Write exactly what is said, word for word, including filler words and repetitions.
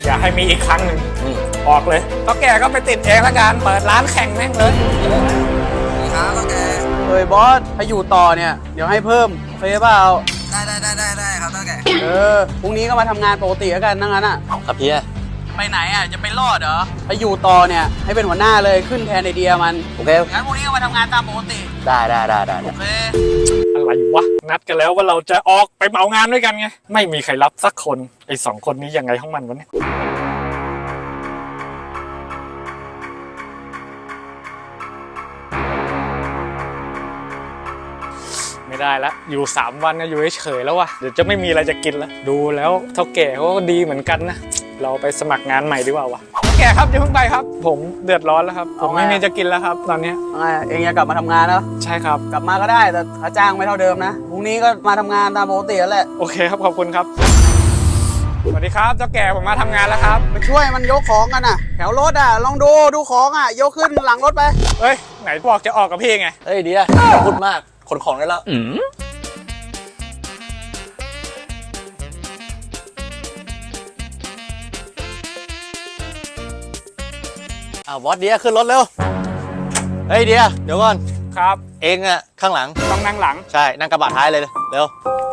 อย่าให้มีอีกครั้งหนึ่งออกเลยก็แกก็ไปติดเองละกันเปิดร้านแข่งแม่งเลยครับก็แกเฮ้ยบอสถ้าอยู่ต่อเนี่ยเดี๋ยวให้เพิ่มโอเคเปล่าได้ได้ได้ได้ได้ครับก็แกเออพรุ่งนี้ก็มาทำงานปกติแล้วกันนั่งงั้นอ่ะครับพี่ไปไหนอ่ะจะไปรอดเหรอถ้าอยู่ต่อเนี่ยให้เป็นหัวหน้าเลยขึ้นแทนไอเดียมันโอเคงั้นพรุ่งนี้ก็มาทำงานตามปกติได้ได้ได้ได้โอเคอะไรวะนัดกันแล้วว่าเราจะออกไปเหมางานด้วยกันไงไม่มีใครรับสักคนไอ้สองคนนี้ยังไงของมันวะเนี่ยไม่ได้ละอยู่สามวันก็อยู่เฉยๆแล้ววะเดี๋ยวจะไม่มีอะไรจะกินละดูแล้วเท่าแก่เขาก็ดีเหมือนกันนะเราไปสมัครงานใหม่ดีกว่าวะเท่าแก่ครับอย่าเพิ่งไปครับผมเดือดร้อนแล้วครับผมไม่มีจะกินแล้วครับตอนนี้เองจะกลับมาทำงานแล้วใช่ครับกลับมาก็ได้แต่ค่าจ้างไม่เท่าเดิมนะพรุ่งนี้ก็มาทำงานตามปกติแล้วแหละโอเคครับขอบคุณครับสวัสดีครับเจ้าแก่ผมมาทำงานแล้วครับไปช่วยมันยกของกันน่ะแถวรถอ่ะลองดูดูของอ่ะยกขึ้นหลังรถไปเฮ้ยไหนบอกจะออกกับพี่ไงเฮ้ยเดียพูดมากขนของได้แล้วอ้าวบอสเดียขึ้นรถเร็วเฮ้ยเดียเดี๋ยวก่อนครับเองอะข้างหลังต้องนั่งหลังใช่นั่งกระบะท้ายเลยเร็ว